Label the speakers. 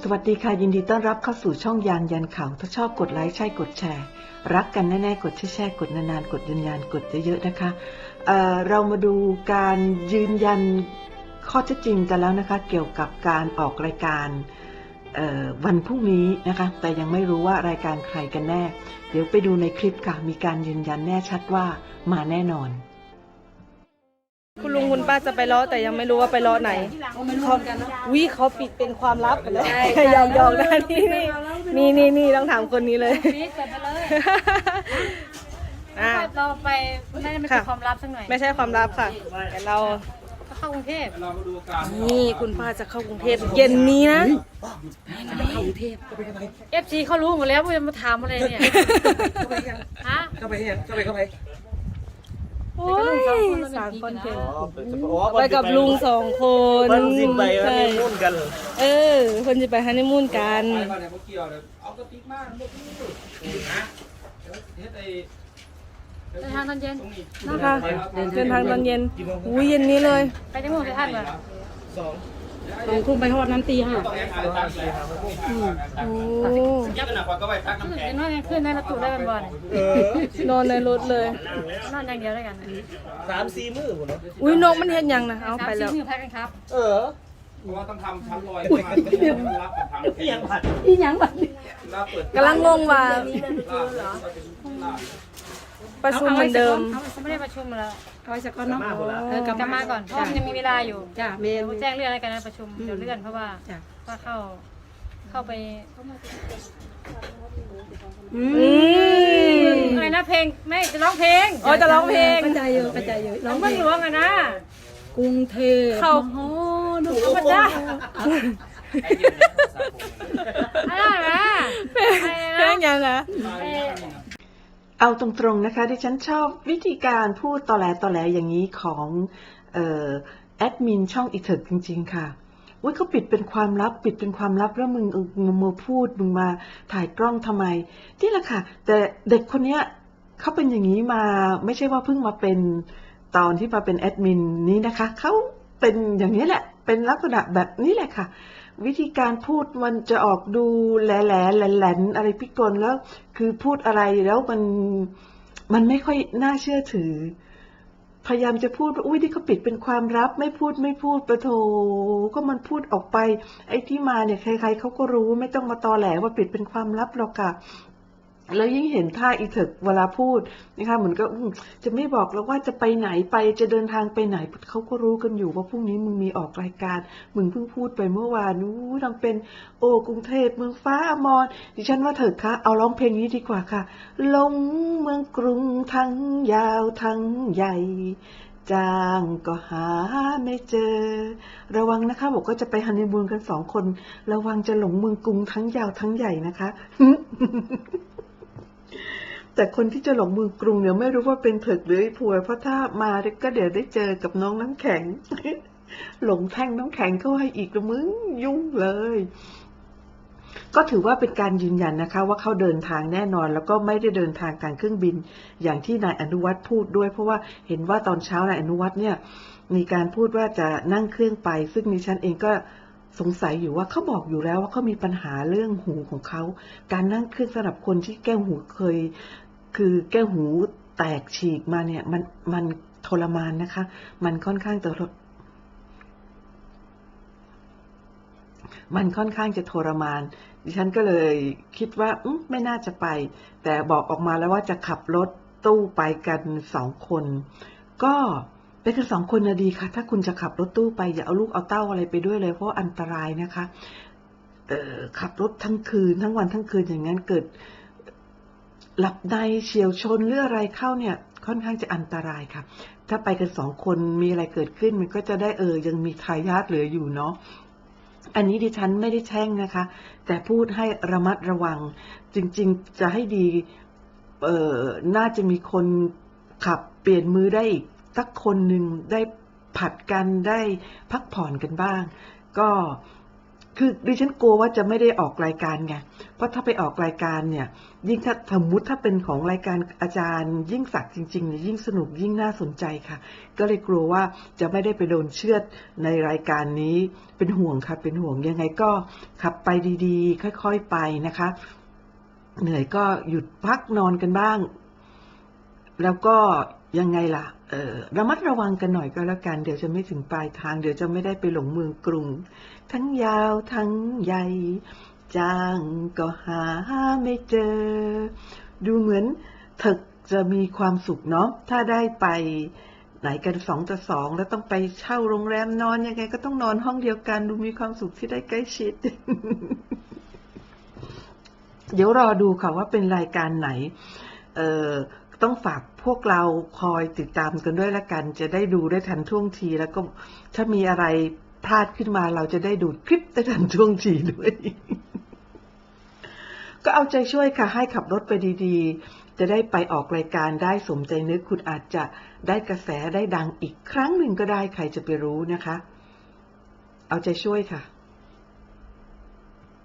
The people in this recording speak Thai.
Speaker 1: สวัสดีค่ะยินดีต้อนรับเข้าสู่ช่องยานยันข่าวถ้าชอบกดไลค์ใช่กดแชร์รักกันแน่ๆกดแชร์กดนานๆกดยันกดเยอะๆนะคะเรามาดูการยืนยันข้อเท็จจริงกันแล้วนะคะเกี่ยวกับการออกรายการวันพรุ่งนี้นะคะแต่ยังไม่รู้ว่ารายการใครกันแน่เดี๋ยวไปดูในคลิปค่ะมีการยืนยันแน่ชัดว่ามาแน่นอน
Speaker 2: คุณลุงคุณป้าจะไปล้อแต่ยังไม่รู้ว่าไปล้อไหนเขาปิดเป็นความลับไปเลยยอมนะนี่ต้องถามคนนี้เลย
Speaker 3: นี่เกิดไปเลย
Speaker 2: อ่า
Speaker 3: เราไปไม่ได้เป็นความลับสักหน่อย
Speaker 2: ไม่ใช่ความลับค่ะแต่เรา
Speaker 3: ก็เข้ากรุงเทพ
Speaker 2: นี่คุณป้าจะเข้ากรุงเทพเย็นนี้นะ
Speaker 3: FC เขารู้หมดแล้วว่าจะมาถามอะไรเนี่ยฮะ
Speaker 4: เข้าไป
Speaker 2: โอ้ยสามคนเถอะไปกับลุง2 คน
Speaker 4: มันสิไปฮันนีมูนกัน
Speaker 2: คนจะไปฮันนีมูนกัน
Speaker 4: ไปไหนพวกเกี่ยวเลยเอากระติกมาพวกนี้นะเฮ็ดไอ้
Speaker 3: เดินทางตอนเย็น
Speaker 2: นะคะเดินทางตอนเย็นอุ้ยเย็นนี้เลย
Speaker 3: ไปจังหวัดท่านเหรอ
Speaker 4: 2
Speaker 3: ทุ่มไปฮอดนั้นตี 5
Speaker 2: โอ้
Speaker 4: ยักษ์หนักกว่าก็ไปทัก
Speaker 3: ขึ้น
Speaker 4: น้ำแข็ง
Speaker 3: นอนยังขึ้นได้ประตูได้เป็นบอล
Speaker 2: นอนในรถเลย
Speaker 3: นอนอย่างเดียวได้กัน
Speaker 4: 3-4 มื้อพุ่นเนาะ
Speaker 2: อุ้ยนกมันเห็นยังนะเอาไปแล้ว
Speaker 3: 3-4 มื้อพักกันครับ
Speaker 4: เพราะว่าต้องทำชั้นลอยรับกับทำอีหยังผัด
Speaker 3: อีหยังบัด
Speaker 4: รับเปิด
Speaker 2: กำลังงงว่าประชุมเหมือนเดิม
Speaker 3: เขาไม่ได้ประชุมแล้ว
Speaker 5: เอาไว้สักก้อนเนาะ
Speaker 3: กลับมาก่อนเพราะมันยังมีเวลาอยู่
Speaker 5: จ้าเมน
Speaker 3: แจ้งเลื่อนอะไรกันนะประชุมเดี๋ยวเลื่อนเพราะว่า
Speaker 5: จ้า
Speaker 3: ว่าเข้าไป
Speaker 2: อืม
Speaker 3: อะไรนะเพลงไม่จะร้องเพลง
Speaker 2: อ๋อจะร้องเพลง
Speaker 5: กระจายเยอะกระจายเยอะ
Speaker 3: น้
Speaker 5: ร้
Speaker 3: อ
Speaker 5: อง งเพ
Speaker 3: เมื
Speaker 5: ล
Speaker 3: อง
Speaker 5: ง
Speaker 3: หลวงอะนะ
Speaker 5: กรุงเทพ
Speaker 2: เข้า
Speaker 5: มหานค
Speaker 3: ธรรม
Speaker 5: ร
Speaker 3: ดาอะไรนะอะไร
Speaker 2: เพล
Speaker 3: นะ
Speaker 2: งยังนะ
Speaker 1: เอาตรงๆนะคะที่ฉันชอบวิธีการพูดตอแหลอย่างนี้ของแอดมินช่องอีเถิกจริงๆค่ะว่าเขาปิดเป็นความลับแล้วมึงมาพูดมึงมาถ่ายกล้องทำไมนี่แหละค่ะแต่เด็กคนเนี้ยเขาเป็นอย่างนี้มาไม่ใช่ว่าเพิ่งมาเป็นตอนที่มาเป็นแอดมินนี้นะคะเขาเป็นอย่างนี้แหละเป็นลักษณะแบบนี้แหละค่ะวิธีการพูดมันจะออกดูแหลนอะไรพิกลแล้วคือพูดอะไรแล้วมันไม่ค่อยน่าเชื่อถือพยายามจะพูดว่าอุ้ยนี่เขาปิดเป็นความลับไม่พูดประโถก็มันพูดออกไปไอ้ที่มาเนี่ยใครๆเขาก็รู้ไม่ต้องมาตอแหลว่าปิดเป็นความลับหรอกค่ะแล้วยิ่งเห็นท่าอีเถิกเวลาพูดนะคะเหมือนก็จะไม่บอกแล้วว่าจะไปไหนไปจะเดินทางไปไหนเขาก็รู้กันอยู่ว่าพรุ่งนี้มึงมีออกรายการมึงเพิ่งพูดไปเมื่อวานนู้ทำเป็นโอ้กรุงเทพเมืองฟ้าอมรดิฉันว่าเถิดคะเอาร้องเพลงนี้ดีกว่าค่ะลงเมืองกรุงทั้งยาวทั้งใหญ่จ้างก็หาไม่เจอระวังนะคะบอกก็จะไปฮันนีมูนกัน2 คนระวังจะหลงเมืองกรุงทั้งยาวทั้งใหญ่นะคะ แต่คนที่จะหลงเมืองกรุงเนี่ยไม่รู้ว่าเป็นเถิกหรือไอ้พวยเพราะถ้ามาก็เดี๋ยวได้เจอกับน้องน้ำแข็ง หลงแท่งน้ำแข็งเข้าให้อีกละมึงยุ่งเลยก็ถือว่าเป็นการยืนยันนะคะว่าเขาเดินทางแน่นอนแล้วก็ไม่ได้เดินทางทางเครื่องบินอย่างที่นายอนุวัฒน์พูดด้วยเพราะว่าเห็นว่าตอนเช้านายอนุวัฒน์เนี่ยมีการพูดว่าจะนั่งเครื่องไปซึ่งดิฉันเองก็สงสัยอยู่ว่าเขาบอกอยู่แล้วว่าเขามีปัญหาเรื่องหูของเขาการนั่งเครื่องสำหรับคนที่แก้วหูคือแก้วหูแตกฉีกมาเนี่ยมันทรมานนะคะมันค่อนข้างจะทรมานดิฉันก็เลยคิดว่าไม่น่าจะไปแต่บอกออกมาแล้วว่าจะขับรถตู้ไปกัน2 คนก็ไปกัน2 คนนะดีค่ะถ้าคุณจะขับรถตู้ไปอย่าเอาลูกเอาเต้าอะไรไปด้วยเลยเพราะอันตรายนะคะขับรถทั้งคืนทั้งวันทั้งคืนอย่างนั้นเกิดหลับในเฉียวชนหรืออะไรเข้าเนี่ยค่อนข้างจะอันตรายค่ะถ้าไปกัน2 คนมีอะไรเกิดขึ้นมันก็จะได้ยังมีทายาทเหลืออยู่เนาะอันนี้ดิฉันไม่ได้แช่งนะคะแต่พูดให้ระมัดระวังจริงๆจะให้ดีน่าจะมีคนขับเปลี่ยนมือได้อีกสักคนหนึ่งได้ผัดกันได้พักผ่อนกันบ้างก็คือดิฉันกลัวว่าจะไม่ได้ออกรายการไง เพราะถ้าไปออกรายการเนี่ย ยิ่งถ้าสมมติถ้าเป็นของรายการอาจารย์ยิ่งศักดิ์จริงๆเนี่ยยิ่งสนุกยิ่งน่าสนใจค่ะ ก็เลยกลัวว่าจะไม่ได้ไปโดนเชือดในรายการนี้ เป็นห่วงค่ะ เป็นห่วงยังไงก็ขับไปดีๆ ค่อยๆไปนะคะ เหนื่อยก็หยุดพักนอนกันบ้าง แล้วก็ยังไงล่ะระมัดระวังกันหน่อยก็แล้วกัน เดี๋ยวจะไม่ถึงปลายทาง เดี๋ยวจะไม่ได้ไปหลงเมืองกรุง ทั้งยาวทั้งใหญ่ จ้างก็หาไม่เจอ ดูเหมือนเถิกจะมีความสุขเนาะ ถ้าได้ไปไหนกัน2 ต่อ 2แล้วต้องไปเช่าโรงแรมนอนยังไงก็ต้องนอนห้องเดียวกัน ดูมีความสุขที่ได้ใกล้ชิด เดี๋ยวรอดูค่ะว่าเป็นรายการไหน ต้องฝากพวกเราคอยติดตามกันด้วยละกัน จะได้ดูได้ทันท่วงที แล้วก็ถ้ามีอะไรพลาดขึ้นมาเราจะได้ดูคลิปได้ทันท่วงทีด้วย ก็เอาใจช่วยค่ะ ให้ขับรถไปดีๆ จะได้ไปออกรายการได้สมใจนึก คุณอาจจะได้กระแสได้ดังอีกครั้งหนึ่งก็ได้ ใครจะไปรู้นะคะ เอาใจช่วยค่ะ